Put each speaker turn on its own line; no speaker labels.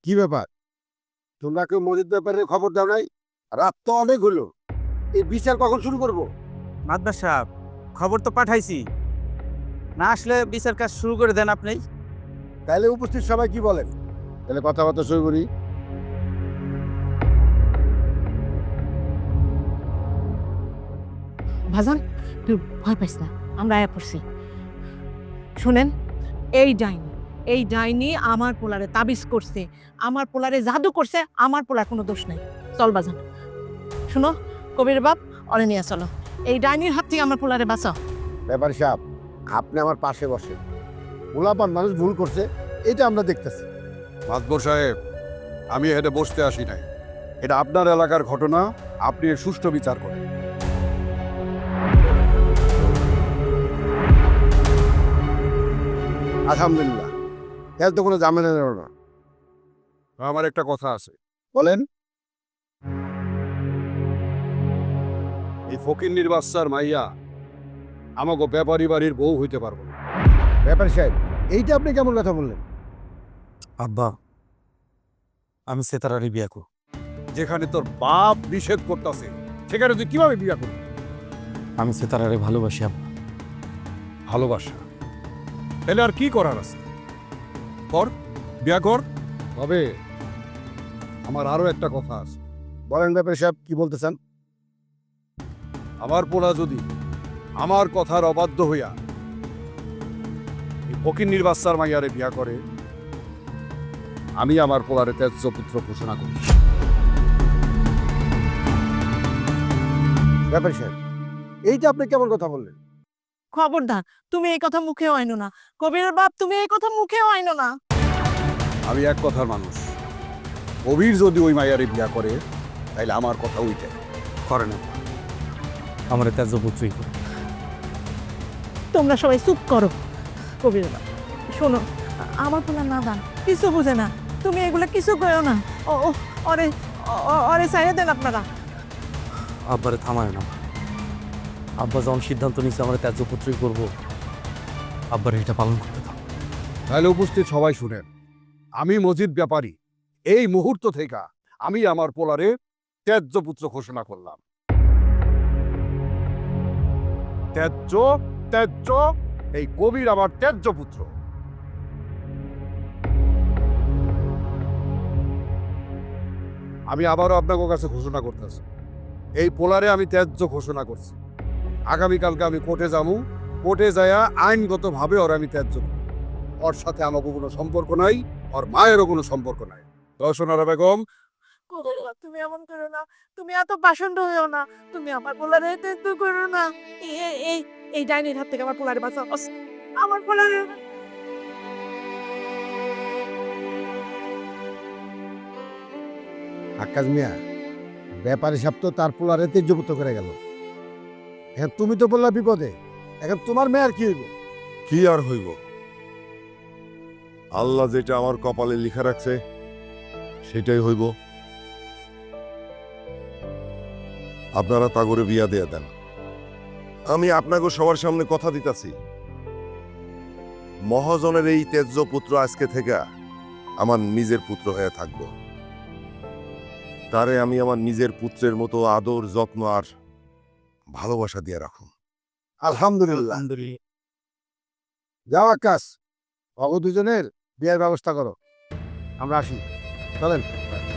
কি ব্যাপার? তোমরা কেউ মজিদ ব্যাপারে খবর দাও নাই? রাত তো অনেক হলো, এই বিচার কখন শুরু করব?
মাদবার সাহেব, খবর তো পাঠাইছি, না আসলে বিচার কাজ শুরু করে দেন আপনি।
তাহলে উপস্থিত সবাই কি বলেন? তাহলে কথাবার্তা শুরু করি।
ভাজান তুই ভয় পাইস না, আমরা আয়া পড়ছি। শুনেন, এই ডাইনি আমার পোলারে তাবিজ করছে, আমার পোলারে জাদু করছে, আমার পোলার কোনো দোষ নাই। চল বাজান, শুনো, কবির বাপ অরে নিয়ে চলো, এই ডাইনির হাত থেকে আমার পোলারে বাঁচাও।
ব্যাপারী সাহেব, আপনি আমার পাশে বসে, গোলাপান মানুষ ভুল করছে, এটা আমরা দেখতেছি।
মাতবর সাহেব, আমি এখানে বসতে আসি নাই। এটা আপনার এলাকার ঘটনা, আপনি এর সুষ্ঠু বিচার করেন।
আলহামদুলিল্লাহ, তাহলে তো কোনো ঝামেলা নেব না।
আমার একটা কথা আছে।
বলেন।
এই ফকিন্নির বাচ্চার মাইয়া আমাকে ব্যাপারী বাড়ির বউ হইতে পারবো না।
ব্যাপারী সাহেব, এইটা আপনি কেমন কথা বললেন?
আব্বা, আমি সেতারারি বিয়া করব।
যেখানে তোর বাপ নিষেধ করতেছে, সেখানে তুই কিভাবে বিয়া করবি?
আমি সেতারারে ভালোবাসি আব্বা।
ভালোবাসা, তাহলে আর কি করার আছে? কর, বিয়া কর। তবে আমার আরো একটা কথা আছে।
বলেন ব্যাপারী সাহেব, কি বলতে চান?
আমার পোলা যদি আমার কথার অবাধ্য হইয়া এই ফকিন্নির বাচ্চার মাইয়ারে বিয়া করে, আমি আমার পোলারে ত্যায্য পুত্র ঘোষণা করি।
ব্যাপারী সাহেব, এইটা আপনি কেমন কথা বললেন?
খবরদার, তুমি এই কথা মুখেও আইনো না। কবিরের বাপ, তুমি এই কথা মুখেও আইনো না।
আমি এক কথার মানুষ। কবির যদি ওই মাইয়ারে বিয়া করে, তাইলে আমার কথা ওইটাই।
করে না, আমার ত্যায্য পুত্রই করে।
তোমরা সবাই চুপ করো। কবির বাপ, শোনো, আমার পোলা নাদান, কিছু বুঝে না, তুমি এগুলা কিছু করো না। ও ও, অরে অরে সাইরে দেন আপনারা।
আব্বারে থামায় না। আব্বা যখন সিদ্ধান্ত নিচ্ছে আমার ত্যায্য পুত্রই করবো, আব্বার এটা পালন করতে দাও।
তাহলে উপস্থিত সবাই শুনেন, আমি মজিদ ব্যাপারী এই মুহূর্ত থেকে আমি আমার পোলারে ত্যায্য পুত্র ঘোষণা করলাম। ত্যায্য, ত্যায্য, এই কবির আমার ত্যায্য পুত্র। আমি আবারও আপনাদের কাছে ঘোষণা করতেছি, এই পোলারে আমি ত্যায্য ঘোষণা করছি। আগামীকালকে আমি কোর্টে যাবো, কোর্টে যাইয়া আইনগতভাবে ওর আমি ত্যায্য করব। ওর সাথে আমাকে কোনো সম্পর্ক নাই, ওর মায়েরও কোনো সম্পর্ক নাই। দর্শনারা বেগম,
কবির বাপ, তুমি এমন করো না, তুমি এত পাষণ্ড হইও না, তুমি আমার পোলারে তেতো করো না। এই এই এই ডাইনির হাত থেকে আমার পোলারে বাঁচাও, আমার পোলারে।
আকাশ মিয়া, ব্যাপারী সাহেব তো তার পোলারে তেজ্যপুত্র করে গেল। এখন তুমি তো বললা বিপদে, এখন তোমার মেয়ের কি হইব?
কি আর হইব? আল্লাহ যেটা আমার কপালে লিখা রাখছে সেটাই হইব। আপনারা তাগরে বিয়া দেয়া দেন। আমি আপনাকে সবার সামনে কথা দিতাছি, মহাজনের এই তেজ্য পুত্র আজকে থেকে আমার নিজের পুত্র হয়ে থাকব। তারে আমি আমার নিজের পুত্রের মতো আদর, যত্ন আর ভালোবাসা দিয়ে রাখুন।
আলহামদুলিল্লাহ।
আলহামদুলিল্লাহ।
যাও আকাশ, অগ দুজনের বিয়ের ব্যবস্থা করো। আমরা আসি, চলেন।